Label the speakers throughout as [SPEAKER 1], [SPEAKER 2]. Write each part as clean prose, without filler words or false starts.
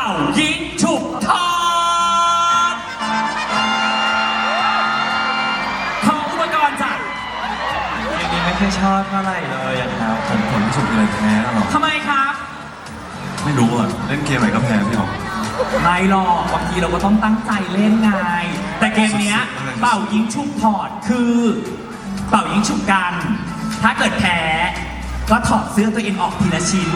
[SPEAKER 1] ายิงฉุบทองขออุปกรณ์จ้ะ
[SPEAKER 2] อย่างนี้ไม่ค่อยชอบเท่าไหร่เลยอะครับ
[SPEAKER 3] ผมรู้สึกเลยแพ้หรอ
[SPEAKER 1] ทำไมครับ
[SPEAKER 3] ไม่รู้อ่ะ เล่นเกมไหนก็แพ้พี่หรอก
[SPEAKER 1] ไม่หรอกบางทีเราก็ต้องตั้งใจเล่นไงแต่เกมเนี้ยเป่ายิงฉุบถอดคือเป่ายิงฉุบกัน ถ้าเกิดแพ้ก็ถอดเสื้อตัวเองออกทีละชิ้น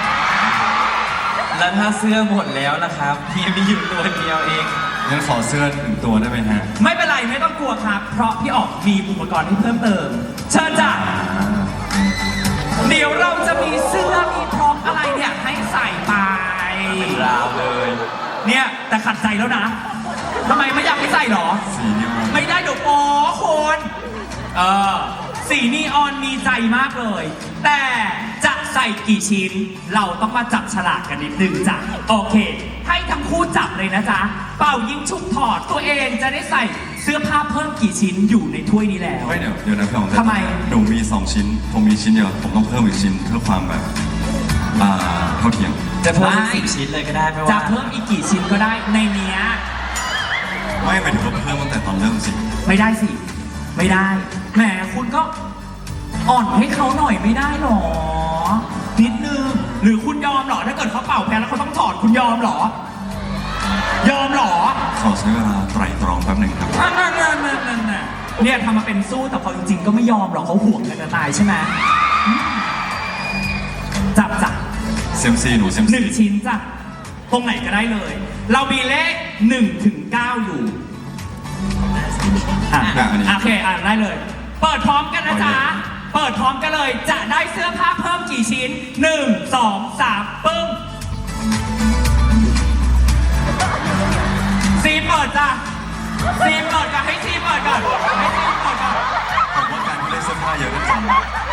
[SPEAKER 2] แล้วถ้าเสื้อหมดแล้วล่ะครับพี่มีอยู่ตัวเดียวเอง
[SPEAKER 3] งั้นขอเสื้อหนึ่งตัวได้ไหมฮะ
[SPEAKER 1] ไม่เป็นไรไม่ต้องกลัวครับ เพราะพี่ออกมีอุปกรณ์ให้เพิ่มเติม เชิญจ้ะเดี๋ยวเราจะมีเสื้อมีพร็อพอะไรเนี่ยให้ใส่ไป
[SPEAKER 2] ราวเลย
[SPEAKER 1] เนี่ยแต่ขัดใจแล้วนะทำไมไม่อยากให้ใส่หรอ
[SPEAKER 3] สีนี้มัน
[SPEAKER 1] ไม่ได้เดี๋ยวโป๊คนสีนีออนมีใจมากเลย แต่จะใส่กี่ชิ้น เราต้องมาจับฉลากกันนิดนึงจ้ะโอเค ให้ทั้งคู่จับเลยนะจ๊ะ เป่ายิงฉุบถอดตัวเองจะได้ใส่เสื้อผ้าเพิ่มกี่ชิ้นอยู่ในถ้วยนี้แล้ว
[SPEAKER 3] ไม่เดี๋ยวนะพี่หรอก
[SPEAKER 1] ทำไม
[SPEAKER 3] หนูมี2ชิ้น ผมมีชิ้นเดียว ผมต้องเพิ่มอีกชิ้นเพื่อความแบบเท่าเทียม
[SPEAKER 2] จะเพิ่ม
[SPEAKER 1] ไม่
[SPEAKER 2] 10 ชิ้นเลยก็ได้ไม่
[SPEAKER 1] จะ
[SPEAKER 2] ว่า
[SPEAKER 1] เพิ่มอีกกี่ชิ้นก็ได้ในเนี้ย
[SPEAKER 3] ไม่หมายถึงว่าเพิ่มตั้งแต่ตอนเริ่มสิ
[SPEAKER 1] ไม่ได้สิ ไม่ได้ แหมคุณก็อ่อนให้เขาหน่อยไม่ได้หรอ นิดนึง หรือคุณยอมหรอ ถ้าเกิดเขาเป่าแพ้แล้วเขาต้องถอดคุณยอมหรอ ยอมหรอ
[SPEAKER 3] ขอใช้เวลาไตร่ตรองแป๊บหนึ่งครับ
[SPEAKER 1] นั่นเนี่ยทำมาเป็นสู้แต่พอจริงๆก็ไม่ยอมหรอกเขาห่วงกันจะตายใช่ไหมจับ
[SPEAKER 3] เซมซีหนูเซม
[SPEAKER 1] ห
[SPEAKER 3] ซี
[SPEAKER 1] นึ่งชิ้นจ้ะตรงไหนก็ได้เลย เรามีเลข1 ถึง 9 อยู่โอเคได้เลย เปิดพร้อมกันนะจ๊ะ เปิดพร้อมกันเลย จะได้เสื้อผ้าเพิ่มกี่ชิ้น 1 2 3 ปึ้งซีเปิดจ้ะซีเปิดก่อนให้ซีเปิดก่อนให้ซีเปิดก่อน
[SPEAKER 3] ผมว่าการที่เล่นเสื้อผ้าเยอะก็จริง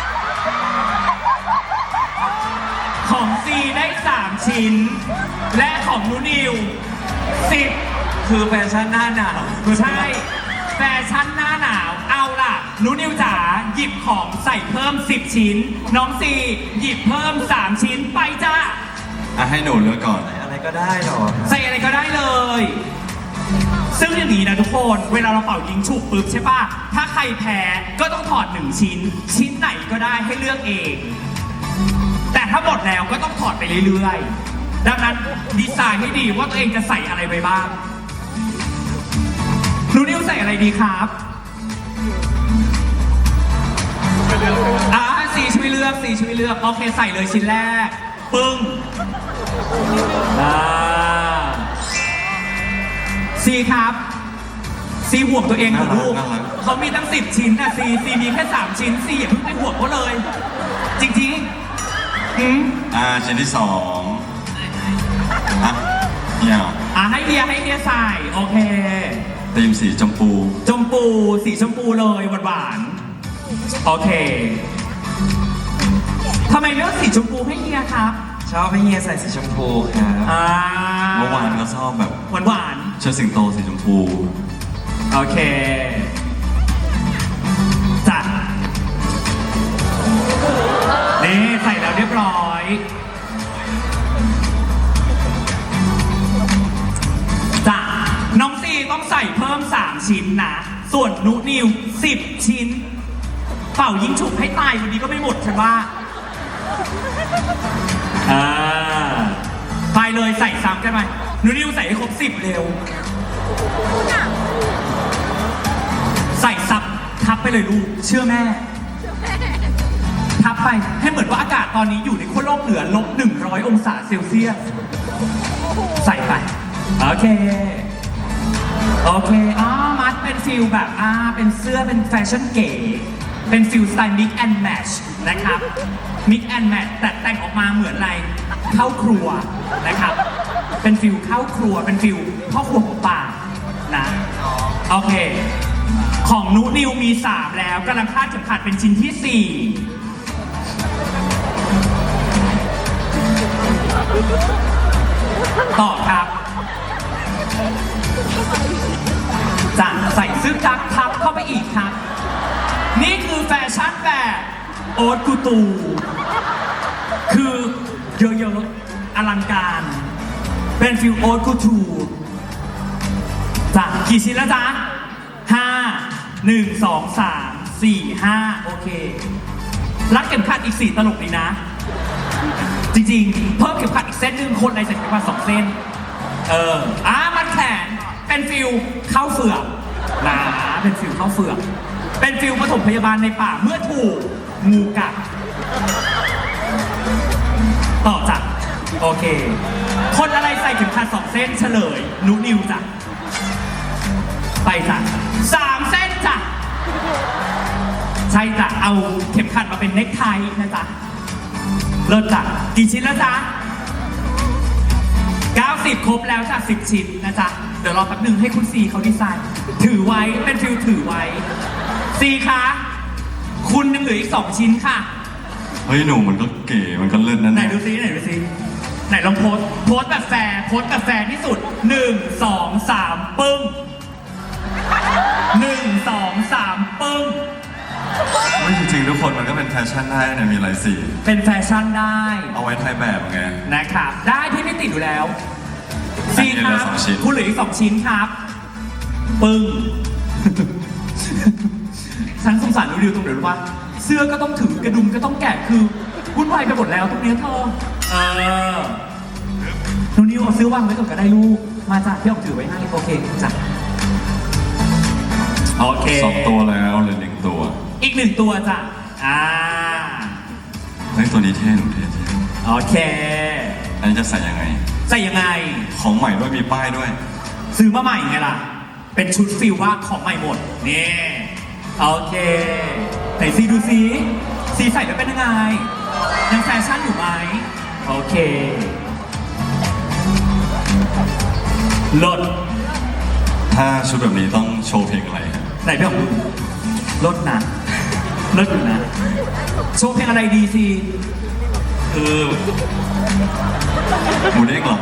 [SPEAKER 1] ของซีได้ 3 ชิ้น และของนูนิว10
[SPEAKER 2] คือแฟชั่นหน้าหนาว
[SPEAKER 1] ใช่ แฟชั่นหน้าหนาว เอาล่ะนูนิวจ๋าหยิบของใส่เพิ่ม 10 ชิ้น น้องซีหยิบเพิ่ม 3 ชิ้นไปจ้า
[SPEAKER 3] ให้หนูเลือกก่อน
[SPEAKER 2] อะไรก็ได้หรอ
[SPEAKER 1] ใส่อะไรก็ได้เลย ซึ่งอย่างนี้นะทุกคนเวลาเราเป่ายิงฉุบปุ๊บใช่ป่ะ ถ้าใครแพ้ก็ต้องถอด 1 ชิ้น ชิ้นไหนก็ได้ให้เลือกเอง แต่ถ้าหมดแล้วก็ต้องถอดไปเรื่อยๆ ดังนั้นดีไซน์ให้ดีว่าตัวเองจะใส่อะไรไปบ้างหนูนิวใส่อะไรดีครับสีช่วยเลือกสีช่วยเลือกโอเคใส่เลยชิ้นแรก ปึ้งซีครับซีห่วงตัวเองของลูก
[SPEAKER 3] น่ารัก
[SPEAKER 1] เขามีตั้ง10 ชิ้นนะซีมีแค่ 3 ชิ้นซีอย่าเพิ่งไปห่วงเขาเลย จริงๆ
[SPEAKER 3] ชิ้นที่2เนี่ย
[SPEAKER 1] ให้เฮียใส่โอเค
[SPEAKER 3] ธีมสีชมพู
[SPEAKER 1] สีชมพูเลยหวานๆโอเคทำไมเลือกสีชมพูให้เฮียครับ
[SPEAKER 2] ชอบให้เฮียใส่สีชมพูครับ
[SPEAKER 3] เมื่อวานก็ชอบแบบ
[SPEAKER 1] หวาน
[SPEAKER 3] เชิดสิงโตสีชมพู
[SPEAKER 1] ๆโอเคจัดนี่ใส่แล้วเรียบร้อยจ้ะน้องซีต้องใส่เพิ่ม 3 ชิ้นนะส่วนนุนิว10 ชิ้นเป่ายิงฉุบให้ตายวันนี้ก็ไม่หมดฉันว่าไปเลยใส่ซ้ำกันไหมนูนิวใส่ให้ครบ10เร็วใส่ซับทับไปเลยลูกเชื่อแม่ทับไปให้เหมือนว่าอากาศตอนนี้อยู่ในขั้วโลกเหนือ-100 องศาเซลเซียสใส่ไปโอเคมัดเป็นฟิลแบบเป็นเสื้อเป็นแฟชั่นเก๋เป็นฟิลสไตล์ mix and match นะครับ mix and match แต่แต่งออกมาเหมือนอะไรเข้าครัวนะครับเป็นฟิลเข้าครัวเป็นฟิลพ่อครัวของป่านะโอเคของนุนิวมี 3 แล้วกำลังคาดเข็มขัดเป็นชิ้นที่ 4ต่อครับจะใส่เสื้อกั๊กทับเข้าไปอีกครับ นี่คือแฟชั่นแบบโอ๊ตกูตูคือเยอะๆอลังการเป็นฟิลโอ๊ตกูทูจ้ะกี่ชิ้นแล้วจ๊ะห้า1 2 3 4 5โอเครัดเข็มขัดอีก4ตลกดีนะ จริงๆ เพิ่มเข็มขัดอีกเส้นหนึ่งคนในใส่เข็มขัด2 เส้นมัดแขนเป็นฟิลเข้าเฟือกนะเป็นฟิลเข้าเฟือกเป็นฟิลปฐมพยาบาลในป่าเมื่อถูกงูกัดต่อจ้ะโอเค คนอะไรใส่เข็มขัด2 เส้นเฉลยนุนิวจ้ะไปจ้ะ3 เส้นจ้ะใช่จ้ะเอาเข็มขัดมาเป็นเน็กไทนะจ๊ะเลิศจ้ะกี่ชิ้นแล้วจ๊ะ90ครบแล้วจ้ะ10 ชิ้นนะจ๊ะเดี๋ยวรอแป๊บหนึ่งให้คุณซีเขาดีไซน์ถือไว้เป็นฟิลถือไว้ซีคะคุณยังเหลืออีก2 ชิ้นค่ะ
[SPEAKER 3] เฮ้ยหนูมันก็เก๋มันก็เลิศนั่น
[SPEAKER 1] ไหนดูซิไหนลองโพสแบบแฟร์ที่สุด1 2 3ปึ้ง1 2 3ปึ้ง
[SPEAKER 3] ไม่จริงๆทุกคนมันก็เป็นแฟชั่นได้เนี่ยมีหลายสี
[SPEAKER 1] เป็นแฟชั่นได้
[SPEAKER 3] เอาไว้ถ่ายแบบไง
[SPEAKER 1] นะครับได้พี่ไม่ติดอยู่แล้ว
[SPEAKER 3] อัน
[SPEAKER 1] ซี
[SPEAKER 3] นี้
[SPEAKER 1] ค
[SPEAKER 3] เหลื
[SPEAKER 1] รั
[SPEAKER 3] อบ 2 ชิ้น
[SPEAKER 1] คุณเหลืออีก2 ชิ้นครับ ปึ้ง ฉันสงสารดิวตรงเดี๋ยวรู้ว่า เสื้อก็ต้องถือกระดุมก็ต้องแกะคือวุ่นวายไปหมดแล้วตรงเนี้ยเธอหนูนิวเอาซื้อวางไว้ก่อนก็ได้ลูกมาจ้ะพี่ออกถือไว้ให้โอเคจ้ะโอเค
[SPEAKER 3] 2 ตัวแล้วเหลือ1 ตัว
[SPEAKER 1] อีก1 ตัวจ้ะ
[SPEAKER 3] เฮ้ยตัวนี้เท่หนูเท่
[SPEAKER 1] โอเค
[SPEAKER 3] อันนี้จะใส่ยังไง
[SPEAKER 1] ใส่ยังไง
[SPEAKER 3] ของใหม่ด้วยมีป้ายด้วย
[SPEAKER 1] ซื้อมาใหม่ไงล่ะ เป็นชุดฟิลว่าของใหม่หมด นี่ โอเค ไหนซีดูซีใส่แล้วเป็นยังไง ยังแฟชั่นอยู่ไหม โอเคลด
[SPEAKER 3] ถ้าชุดแบบนี้ต้องโชว์เพลงอะไรครับ
[SPEAKER 1] ไหนพี่ของดูลดนะลดอยู่นะ โชว์เพลงอะไรดีซี
[SPEAKER 3] คือหมูเด้งเหรอ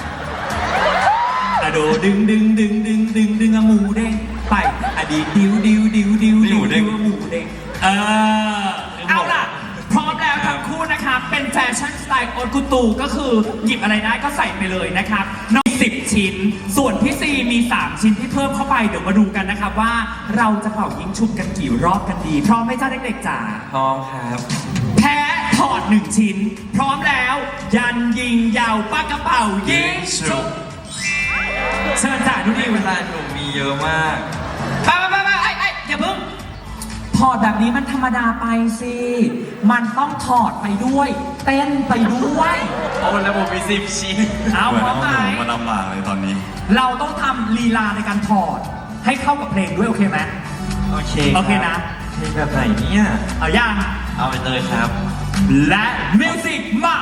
[SPEAKER 1] อะโดดึงอะหมูเด้งไปอะดีดิวหมูเด้งเอาล่ะ พร้อมแล้วทั้งคู่นะครับ เป็นแฟชั่นสไตล์โอกุตูก็คือหยิบอะไรได้ก็ใส่ไปเลยนะครับนอก10 ชิ้น ส่วนพี่ซีมี3 ชิ้นที่เพิ่มเข้าไปเดี๋ยวมาดูกันนะครับว่าเราจะเป่ายิงฉุบกันกี่รอบกันดีพร้อมไหมจ้าเด็กๆจ๋า
[SPEAKER 2] พร้อมครับ
[SPEAKER 1] แพ้ถอด1 ชิ้น พร้อมแล้ว ยันยิงยาวปากกระเป๋ายิงฉุบเชิญจ้าดูดิ
[SPEAKER 2] เวลาหนูมีเยอะมาก
[SPEAKER 1] ไปอย่าเพิ่งถอดแบบนี้มันธรรมดาไปสิมันต้องถอดไปด้วย เต้นไปด้วย
[SPEAKER 2] โอ้แล้วผมมี10 ชิ้น
[SPEAKER 1] เอา
[SPEAKER 3] เหมือน
[SPEAKER 1] พร้อม
[SPEAKER 3] เอา
[SPEAKER 1] ไหม
[SPEAKER 3] หนูมาลำบากเลยตอนนี้
[SPEAKER 1] เราต้องทำลีลาในการถอดให้เข้ากับเพลงด้วยโอเคไหม
[SPEAKER 2] โอเค
[SPEAKER 1] โอเคนะ
[SPEAKER 2] เพลงแบบไหนเนี่ย
[SPEAKER 1] เอาย่าง
[SPEAKER 2] เอาไปเลยครับ
[SPEAKER 1] และมิวสิกมา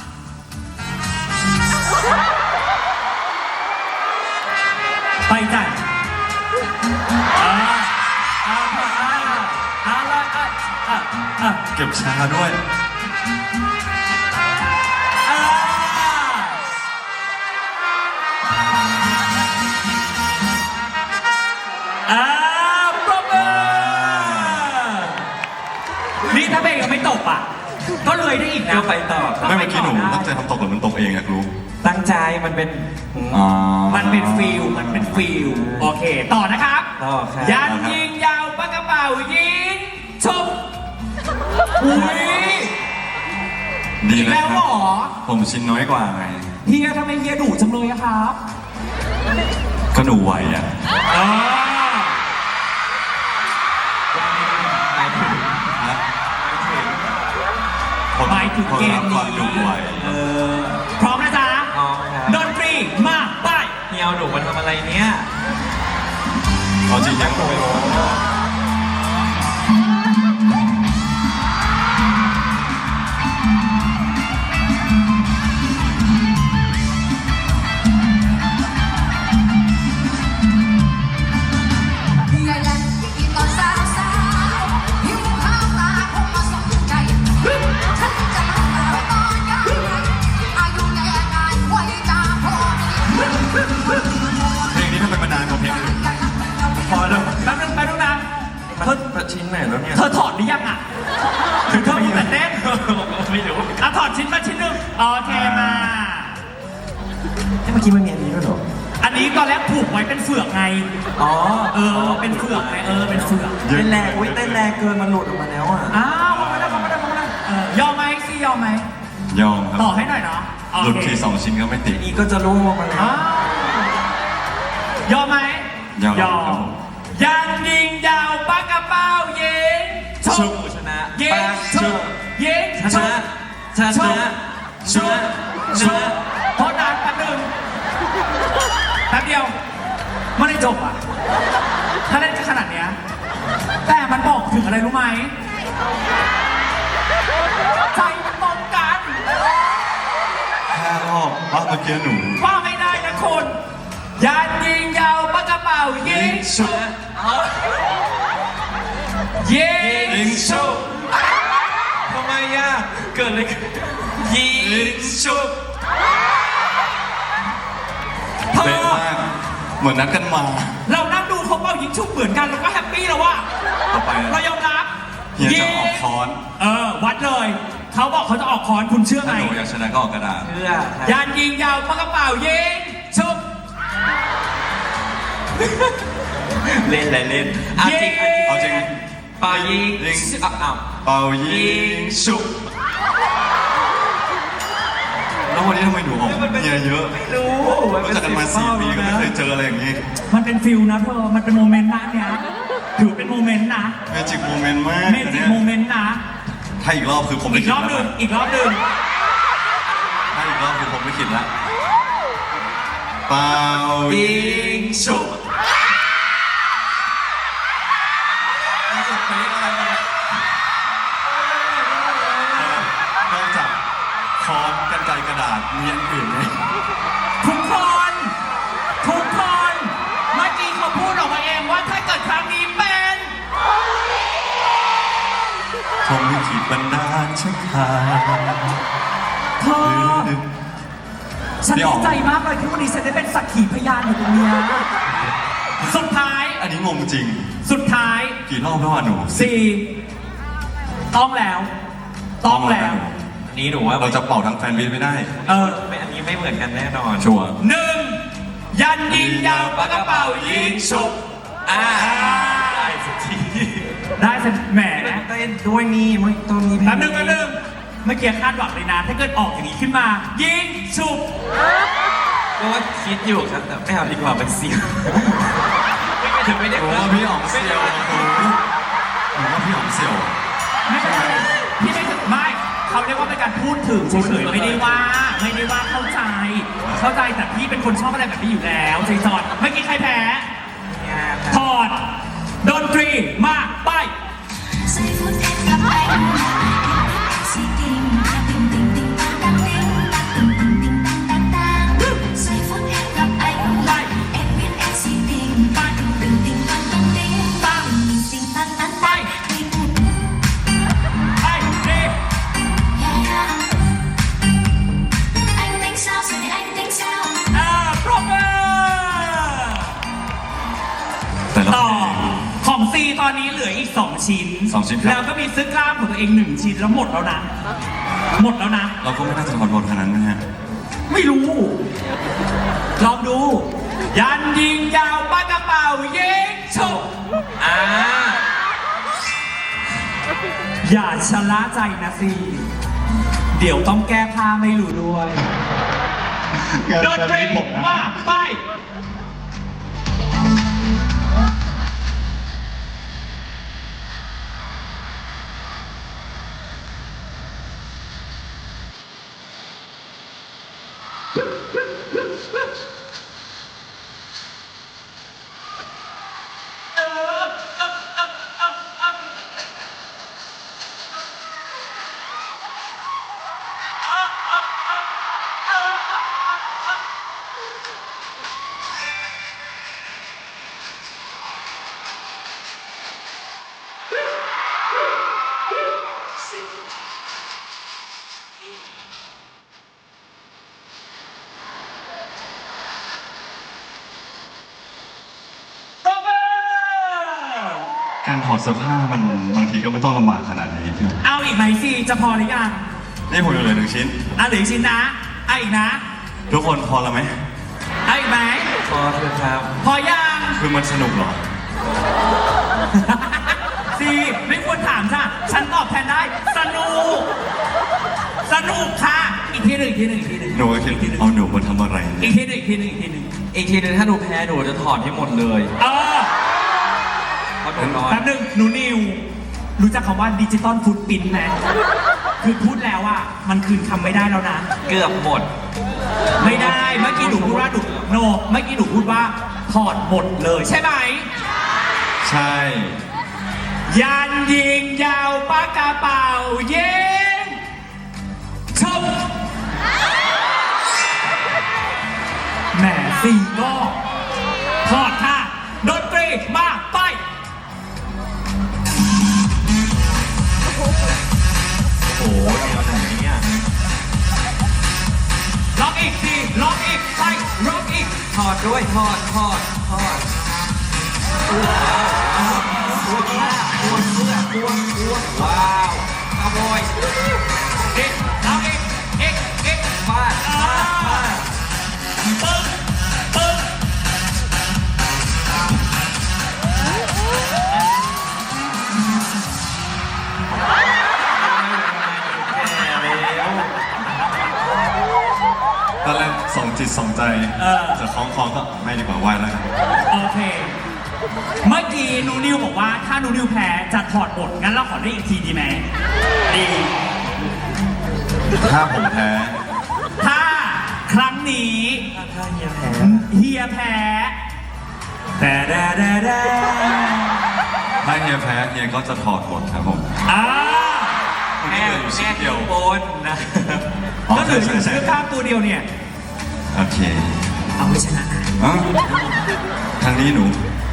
[SPEAKER 1] ไปจ้ะเอา
[SPEAKER 3] เก็บชาด้วย
[SPEAKER 1] ปรบมือนี่ถ้าเพลงยังไม่ตกอ่ะ ก็เลยได้อีกนะ
[SPEAKER 2] ก็ไปต่อ
[SPEAKER 3] ไม่เมื่อกี้หนูตั้งใจทำตกหรือมันตกเองอยากรู้
[SPEAKER 2] ตั้งใจมันเป็น
[SPEAKER 1] มันเป็นฟิลโอเค ต่อนะครับ
[SPEAKER 2] ต่อครับ
[SPEAKER 1] ยันยิงยาวปากกระเป๋ายิงชุบอุ้ย
[SPEAKER 3] ดี
[SPEAKER 1] อีก
[SPEAKER 3] เลย
[SPEAKER 1] แล้ว
[SPEAKER 3] ค
[SPEAKER 1] เหร
[SPEAKER 3] รับ
[SPEAKER 1] อ
[SPEAKER 3] ผมชิ้นน้อยกว่าไง
[SPEAKER 1] เฮียทำไมเฮียดุจังเลยอะครับ
[SPEAKER 3] ก็หนูไหวอ่ะ
[SPEAKER 1] อ๋อ
[SPEAKER 3] ฮะ
[SPEAKER 1] หมายถึงเกม
[SPEAKER 3] ความ
[SPEAKER 1] นี้
[SPEAKER 3] ดุไหว
[SPEAKER 1] พร้อมนะจ๊ะ
[SPEAKER 2] พร้อมครับ
[SPEAKER 1] ดนตรีมาไป
[SPEAKER 2] เฮียเอาหนูมาทำอะไรเนี่ย
[SPEAKER 3] เอาจริงยังไม่รู้ เพลงนี้ทำไมมานานกว่าเพลงอื่น
[SPEAKER 1] พอแล้วแป๊บนึงนะ
[SPEAKER 2] มันชิ้นไหนแล้วเนี่ย
[SPEAKER 1] เธอถอดหรือยังอ่ะถึงเธอมีแต่เต้น
[SPEAKER 2] ไม่รู้
[SPEAKER 1] อ่ะถอดชิ้นมาชิ้นหนึ่งโอเคมา
[SPEAKER 2] เมื่อกี้มันมีอันนี้ด้วยเหรอ
[SPEAKER 1] อันนี้ตอนแรกผูกไว้เป็นเฟือกไง
[SPEAKER 2] อ๋อ
[SPEAKER 1] เป็นเฟือกไงเป็นเฟือก
[SPEAKER 2] เต้นแรงอุ้ยเต้นแรงเกินมันหลุดออกมาแล้วอ่ะ
[SPEAKER 1] อ้าวมาได้ยอมไหมซี่ยอมไหม
[SPEAKER 3] ยอมครับ
[SPEAKER 1] ต่อให้หน่อยเนาะโอ
[SPEAKER 3] หลุด
[SPEAKER 1] เค
[SPEAKER 3] ที2 ชิ้นก็ไม่ติด
[SPEAKER 2] อันนี้ก็จะร่วงลงมาแล้ว
[SPEAKER 1] อ้าวยอมไหม
[SPEAKER 3] ยอมครับผม
[SPEAKER 1] ยังยิงยาวปากกระเป๋ายิงช
[SPEAKER 2] ชุ
[SPEAKER 1] ก
[SPEAKER 2] บชนะ
[SPEAKER 1] ยิงชกยิง
[SPEAKER 2] ช
[SPEAKER 1] ช
[SPEAKER 2] นะ
[SPEAKER 1] ก
[SPEAKER 2] ชนะชนะชนะชนะ
[SPEAKER 1] โทษนานแป๊บนึงแป๊บเดียวไม่ได้จบอ่ะ ถ้าเล่นขนาดเนี้ยแต่มันบอกถึงอะไรรู้ไหมใจมันตรงกัน
[SPEAKER 3] แค่รอบเมื่อกี้หนู
[SPEAKER 1] ว่าไม่ได้นะคุณยันยิงยาวปากกระเป๋ายิง
[SPEAKER 2] ชนะ
[SPEAKER 1] ยิง
[SPEAKER 2] ชุบทำไมอ่ะเกิดอะไรขึ้นยิงชุบ
[SPEAKER 1] เธ
[SPEAKER 3] เป๊ะ
[SPEAKER 1] อ
[SPEAKER 3] มาก เหมือนนัดกันมา
[SPEAKER 1] เรานั่งดูเขาเป่ายิงชุบเหมือนกันเราก็แฮปปี้แล้วว่า
[SPEAKER 3] ต่อไป
[SPEAKER 1] เรายอมรับ
[SPEAKER 3] เฮียจะออกค้อน
[SPEAKER 1] วัดเลย เขาบอกเขาจะออกค้อนคุณเชื่อไหม
[SPEAKER 3] ถ้าหนูอยากชนะก็ออกกระดาษ
[SPEAKER 2] เพื่อ
[SPEAKER 1] ยันยิงยาวปากกระเป๋ายิงชุบ
[SPEAKER 2] เล่นอะไรเล่นอ่ะจริง
[SPEAKER 3] เอาจริง
[SPEAKER 2] ปายิง
[SPEAKER 3] ยิง
[SPEAKER 2] อ้าว
[SPEAKER 3] เป่ายิงชุบแล้ววันนี้ทำไมหนูออกเฮียเยอะ
[SPEAKER 2] ไม่รู้
[SPEAKER 3] รู้จักกันมา4 ปีก็ไม่เคยเจออะไรอย่างนี้
[SPEAKER 1] มันเป็นฟิลนะเธอ มันเป็นโมเมนต์นะเนี่ยถือเป็นโมเมนต์นะ
[SPEAKER 3] เมจิกโมเมนต์มาก
[SPEAKER 1] เมจิกโมเมนต์นะ
[SPEAKER 3] ถ้าอีกรอบคือผม
[SPEAKER 1] อี
[SPEAKER 3] ไม่
[SPEAKER 1] ก
[SPEAKER 3] คิ
[SPEAKER 1] ร
[SPEAKER 3] ด
[SPEAKER 1] อบห
[SPEAKER 3] แล้
[SPEAKER 1] นึ่
[SPEAKER 3] ว
[SPEAKER 1] งอีกรอบหนึ่ง
[SPEAKER 3] ถ้าอีกรอบคือผมไม่คิดแล้วเป่า
[SPEAKER 2] ยิงชุบ
[SPEAKER 3] รู้สึกเป๊ะอะไรมานอกจากค้อนกันไกรกระดาษมีอันอื่นไหม
[SPEAKER 1] ทุกคน เมื่อกี้เขาพูดออกมาเองว่าถ้าเกิดครั้งนี้เป็น
[SPEAKER 3] คงไม่ขีดบันดาลชักพา
[SPEAKER 1] เธอ ฉันดีใจมากเลยที่วันนี้ฉันได้เป็นสักขีพยานอยู่ตรงเนี้ยสุดท้าย
[SPEAKER 3] อันนี้งงจริง
[SPEAKER 1] สุดท้าย
[SPEAKER 3] กี่รอบแล้วอ่ะหนู
[SPEAKER 1] ต้องแล้ว ต้องแล้ว
[SPEAKER 2] อันนี้หนูว่า
[SPEAKER 3] เราจะเป่าทั้งแฟนวิทไม่ได้
[SPEAKER 2] ไม่อันนี้ไม่เหมือนกันแน่นอน
[SPEAKER 3] ชัวร์
[SPEAKER 1] หนึ่งยันยิงยาวปากกระเป๋ายิงฉุบ
[SPEAKER 2] ได้สักที
[SPEAKER 1] ได้สิแหม
[SPEAKER 2] เต้นด้วยนี่มันต้องมี
[SPEAKER 1] แป๊บนึงเมื่อกี้คาดหวังเลยนะ ถ้าเกิดออกอย่างนี้ขึ้นมา ยิงฉุบ
[SPEAKER 2] ก็ว่าคิดอยู่ครับแต่ไม่เอาดีกว่ามันเสียงไม่ได้
[SPEAKER 3] หนูว่าพี่อ๋องเซียวหนูว่าพี่อ๋องเซียว
[SPEAKER 1] ไม่เป็นไรพี่ไม่ถึงไม่เขาเรียกว่าเป็นการพูดถึงเฉยๆไม่ได้ว่าเข้าใจแต่พี่เป็นคนชอบอะไรแบบนี้อยู่แล้วใจจอดเมื่อกี้ใครแพ้ถอดดนตรีมาไป
[SPEAKER 4] giây phút em gặp anh si tình tình tình tình tăng tăng tình tình tình tình tăng tăng tăng giây phút em gặp anh em biết em si tình tình tình tình tăng tăng tình tình tình tăng tăng tăng tình
[SPEAKER 1] ไปเร็ว
[SPEAKER 4] yeah yeah anh tính sao rồi thì anh tính sao
[SPEAKER 1] ปรบมือ
[SPEAKER 3] แต่ละ
[SPEAKER 1] ต่อของซีตอนนี้เหลืออีก 2 ชิ้น
[SPEAKER 3] 2 ชิ้นครับ
[SPEAKER 1] แล้วก็มีเสื้อกล้ามของตัวเอง 1 ชิ้นแล้วหมดแล้วนะ
[SPEAKER 3] เราก็ไม่น่าจะถอดบทขนาดนั้นนะฮะ
[SPEAKER 1] ไม่รู้ ลองดู ยันยิงยาวปากกระเป๋ายิงฉุบอย่าชะล่าใจนะซีเดี๋ยวต้องแก้ผ้าไม่รู้ด้วยดนตรีมาไป
[SPEAKER 3] การถอดเสื้อผ้ามันบางทีก็ไม่ต้องลำบากขนาดนี้
[SPEAKER 1] เอาอีกไหมซีจะพอหรือยัง
[SPEAKER 3] นี่ผมเหลือ1 ชิ้น
[SPEAKER 1] เหลืออีกชิ้นนะอีกนะ
[SPEAKER 3] ทุกคนพอแล้วไหม
[SPEAKER 2] พอเถอะครับ
[SPEAKER 1] พอยัง
[SPEAKER 3] คือมันสนุกเหรอ
[SPEAKER 1] สิไม่ควรถามจ้ะฉันตอบแทนได้ สนุก สนุกค่ะ อีกทีหนึ่งอีกทีหนึ่งอีกทีหนึ่ง
[SPEAKER 3] หนูก็คิดเอาหนูมาทำอะไร
[SPEAKER 1] อี
[SPEAKER 3] เนี่ย
[SPEAKER 1] กทีหนึ่งอีกทีหนึ่งอีกทีหนึ่ง
[SPEAKER 2] อีกทีหนึงถ้าหนูแพ้หนูจะถอดให้หมดเลย
[SPEAKER 1] เออ
[SPEAKER 2] เพราะหนูร้อน
[SPEAKER 1] แป๊บนึงหนูนิว รู้จักคำว่าดิจิตอลฟุตปรินท์ไหมคือพูดแล้วอ่ะมันคืนคำไม่ได้แล้วนะ
[SPEAKER 2] เกือบหมด
[SPEAKER 1] ไม่ได้ เมื่อกี้หนูพูดว่าโนเมื่อกี้หนูพูดว่าถอดหมดเลยใช่ไหม
[SPEAKER 3] ใช่
[SPEAKER 1] ยันยิงยาวปากกระเป๋าเย็นชมแหมสี่ก็ถอดค่ะดนตรีมาไป
[SPEAKER 2] โอ้โหแนวไหนเนี่ย
[SPEAKER 1] ล็อกอีกทีล็อกอีกไปล็อกอีก
[SPEAKER 2] ถอดด้วยถอดว้าวขโมย
[SPEAKER 1] อีกล็อกอีก
[SPEAKER 2] ฟาด
[SPEAKER 1] ปึ้งปึ้ง
[SPEAKER 3] ตอนแรกสองจิตสองใจจะคล้องคอก็ไม่ดีกว่าไหวแล้วกัน
[SPEAKER 1] โอเค เมื่อกี้หนูนิวบอกว่าถ้าหนูนิวแพ้จะถอดบทงั้นเราขอได้อีกทีดีไหมดี
[SPEAKER 3] ถ้าผมแพ้
[SPEAKER 1] ถ้าครั้งนี้
[SPEAKER 2] ถ้าเฮียแพ้
[SPEAKER 1] เฮียแพ้แต่แดแดแด
[SPEAKER 3] ถ้าเฮียแพ้เฮียก็จะถอดหมดครับผม
[SPEAKER 1] อ่า
[SPEAKER 2] แม่อยู่ชิ้นเดียวบนนะ
[SPEAKER 1] ก็เหลืออยู่เชือกข้ามตัวเดียวเนี่ย
[SPEAKER 3] โอเค
[SPEAKER 1] เอาไว้ชนะนะ
[SPEAKER 3] อ๋อทางนี้หนู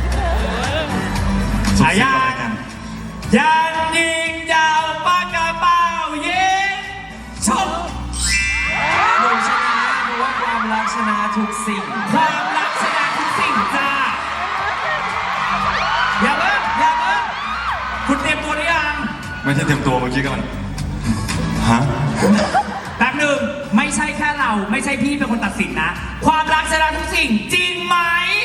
[SPEAKER 3] สุด
[SPEAKER 1] ฉา
[SPEAKER 3] สิบ
[SPEAKER 1] ยา
[SPEAKER 3] ก็แล้วกัน
[SPEAKER 1] ยันยิงยาวปากกระเป๋ายิงชม
[SPEAKER 2] หนูชนะเพราะว่าความรักชนะทุกสิ่ง
[SPEAKER 1] ความรักชนะทุกสิ่งจ้าอย่าเพิ่งคุณเตรียมตัวหรือยัง
[SPEAKER 3] ไม่ใช่เต็มตัวเมื่อกี้กำลังฮะ
[SPEAKER 1] แป๊บหนึ่งไม่ใช่แค่เราไม่ใช่พี่เป็นคนตัดสินนะ ความรักชนะทุกสิ่งจริงไหม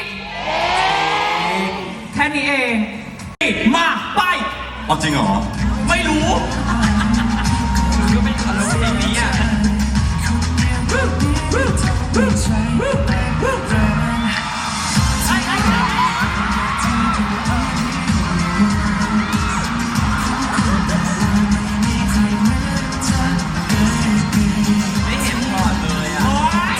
[SPEAKER 1] แค่นี้เองมาไป
[SPEAKER 3] เอาจริงเหรอ
[SPEAKER 1] ไม่รู้
[SPEAKER 2] ก็ไม่ขอรู้เพลงนี้อ่ะ ไม่เห็นถอดเลยอ่ะ
[SPEAKER 1] โอ๊ย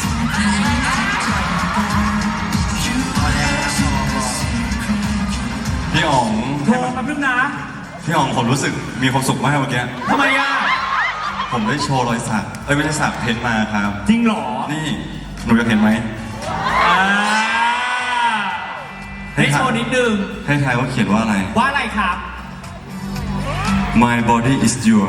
[SPEAKER 3] พี่อ๋อง
[SPEAKER 1] โทรมาพึ่งนะ
[SPEAKER 3] พี่อ๋องผมรู้สึกมีความสุขมากเมื่อกี้
[SPEAKER 1] ทำไมอ่ะ
[SPEAKER 3] ผมได้โชว์รอยสักไม่ใช่สักเพ้นท์มาครับ
[SPEAKER 1] จริงเหรอ
[SPEAKER 3] นี่หนูอยากเห็นไหม
[SPEAKER 1] อ่าให้โชว์นิดนึง
[SPEAKER 3] ให้ทายว่าเขียนว่าอะไร
[SPEAKER 1] ว่าอะไรครับ
[SPEAKER 3] My body is your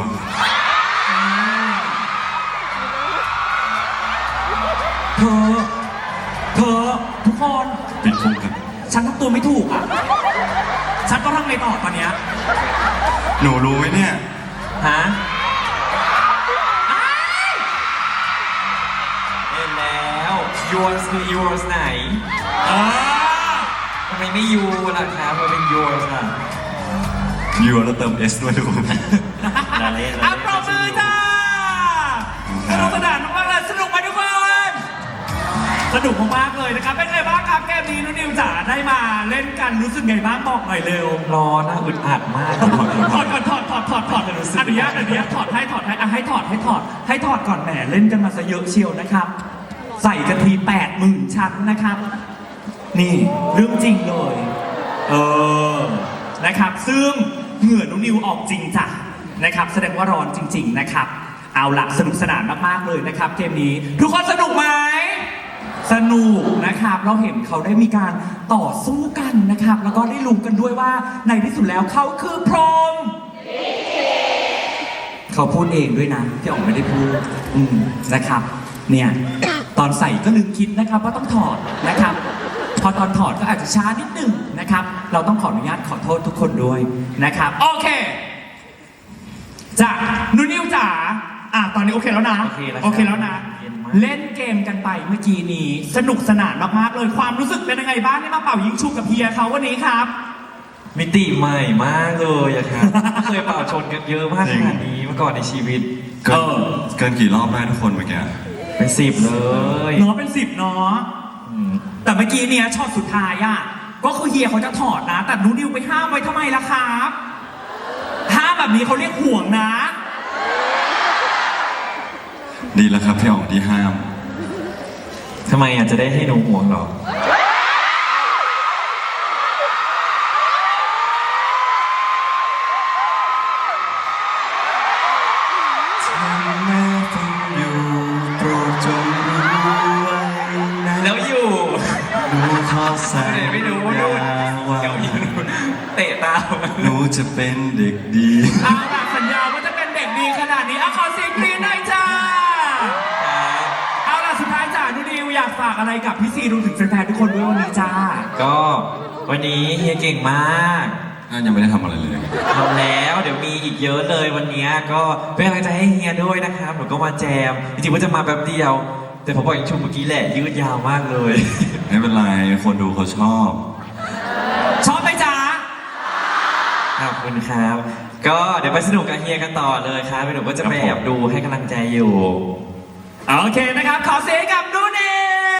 [SPEAKER 1] เธอทุกคน
[SPEAKER 3] ปิดพุงกัน
[SPEAKER 1] ฉันทำตัวไม่ถูกอ่ะ ฉันต้องทำไงต่อตอนเนี้ย
[SPEAKER 3] หนูรู้ไหมเนี่ย
[SPEAKER 2] ฮะเห็นแล้ว yours คือ yours ไหน
[SPEAKER 1] เออ
[SPEAKER 2] ทำไมไม่ you ล่ะครับมันเป็น yours อ่ะ
[SPEAKER 3] you แล้วเติม s ด้วยทุกคน
[SPEAKER 2] ลาเล่น
[SPEAKER 1] อ่ะปรบมือจ้าสนุกสนานมากๆเลยสนุกไหมทุกคนสนุกมากๆเลยนะครับ เป็นไงบ้างครับเกมนี้น้องนิวจ๋าได้มาเล่นกันรู้สึกไงบ้างบอกหน่อยเร็ว
[SPEAKER 2] ร้อนนะอึดอัดมาก
[SPEAKER 1] ถอดก่อนถอดอนุญาตถอดให้อ่ะให้ถอดก่อนแหมเล่นกันมาซะเยอะเชียวนะครับ ใส่กันที80,000 ชั้นนะครับ นี่เรื่องจริงเลย นะครับ ซึ่งเหงื่อน้องนิวออกจริงจ้ะนะครับ แสดงว่าร้อนจริง ๆนะครับ เอาล่ะสนุกสนานมากๆเลยนะครับเกมนี้ ทุกคนสนุกไหมสนุกนะครับ เราเห็นเขาได้มีการต่อสู้กันนะครับ แล้วก็ได้รู้กันด้วยว่าในที่สุดแล้วเขาคือพรหมเขาพูดเองด้วยนะพี่อ๋องไม่ได้พูดนะครับ เนี่ย ตอนใส่ก็ลืมคิดนะครับว่าต้องถอดนะครับ พอตอนถอดก็อาจจะช้านิดนึงนะครับ เราต้องขออนุญาตขอโทษทุกคนด้วยนะครับ โอเคจ้ะนูนิวจ๋าตอนนี้โอเคแล้วนะ
[SPEAKER 2] โอเคแล้ว
[SPEAKER 1] นะ
[SPEAKER 2] เย็นม
[SPEAKER 1] เล่นเกมกันไปเมื่อกี้นี้สนุกสนานมากๆเลยความรู้สึกเป็นยังไงบ้างที่มาเป่ายิงฉุบกับเฮียเขาวันนี้ครับ
[SPEAKER 2] มิติใหม่มากเลยอะครับไม่เคยเป่าชนกันเยอะมากขนาดนี้มาก่อนในชีวิต
[SPEAKER 3] เกินกี่รอบได้ทุกคนเมื่อกี้
[SPEAKER 2] เป็น10เลย
[SPEAKER 1] เนาะเป็น10เนาะแต่เมื่อกี้เนี่ยช็อตสุดท้ายอ่ะก็คือเฮียเขาจะถอดนะ แต่หนูนิวไปห้ามไว้ทำไมล่ะครับห้ามแบบนี้เขาเรียกห่วงนะ
[SPEAKER 3] ดีแล้วครับพี่อ๋องที่ห้าม
[SPEAKER 2] ทำไมจะได้ให้หนูห่วงเหรอ
[SPEAKER 3] โปรดจงรู้ไว้นะ
[SPEAKER 2] แล้วอยู่
[SPEAKER 3] หนูขอสัญ
[SPEAKER 2] ไม่รู้ว่า
[SPEAKER 3] ญา
[SPEAKER 2] ดู
[SPEAKER 3] ว่า
[SPEAKER 2] เดี๋ยวอยู่เตะตาม
[SPEAKER 3] หนูจะเป็นเด็กดี
[SPEAKER 1] เอาล่ะสัญญาว่าจะเป็นเด็กดีขนาดนี้เอาขอเสียงกรี๊ดหน่อยจ้า เอาล่ะสุดท้ายจ้าหนูนิวอยากฝากอะไรกับพี่ซีรวมถึงแฟนๆทุกคนด้วยวันนี้จ้า
[SPEAKER 2] ก็วันนี้เฮียเก่งมาก
[SPEAKER 3] ยังไม่ได้ทำอะไรเลย
[SPEAKER 2] ทำแล้วเดี๋ยวมีอีกเยอะเลยวันนี้ก็เป็นกำลังใจให้เฮียด้วยนะครับหนูก็มาแจมจริงๆว่าจะมาแป๊บเดียว แต่ผมบอกอย่างชุมเมื่อกี้แหละยืดยาวมากเลย
[SPEAKER 3] ไม่เป็นไร คนดูเขาชอบ
[SPEAKER 1] ชอบไหมจ๊ะ
[SPEAKER 2] ขอบคุณครับ ก็เดี๋ยวไปสนุกกับเฮียกันต่อเลยครับหนูก็จะไปแอบดูให้กำลังใจอยู่
[SPEAKER 1] โอเคนะครับ ขอเสียงกับนุ่น